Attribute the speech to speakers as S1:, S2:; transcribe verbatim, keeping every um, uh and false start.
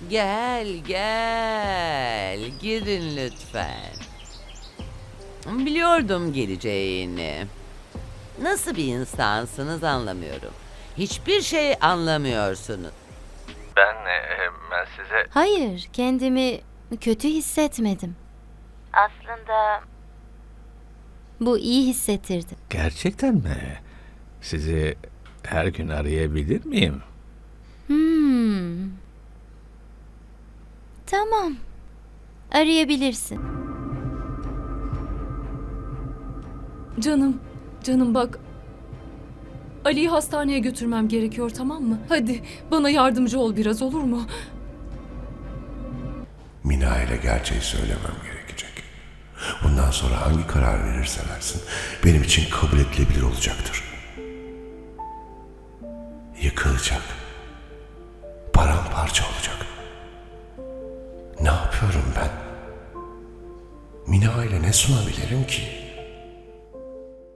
S1: Gel gel. Girin lütfen. Biliyordum geleceğini. Nasıl bir insansınız anlamıyorum. Hiçbir şey anlamıyorsunuz.
S2: Ben, e, ben size...
S3: Hayır, kendimi kötü hissetmedim. Aslında bu iyi hissettirdi.
S4: Gerçekten mi? Sizi her gün arayabilir miyim?
S3: Hmm. Tamam. Arayabilirsin.
S5: Canım, canım bak. Ali'yi hastaneye götürmem gerekiyor, tamam mı? Hadi bana yardımcı ol biraz, olur mu?
S6: Mina ile gerçeği söylemem gerekecek. Bundan sonra hangi karar verirse versin benim için kabul edilebilir olacaktır. Yıkılacak. Paramparça olacak. Ne yapıyorum ben? Mina ile ne sunabilirim ki?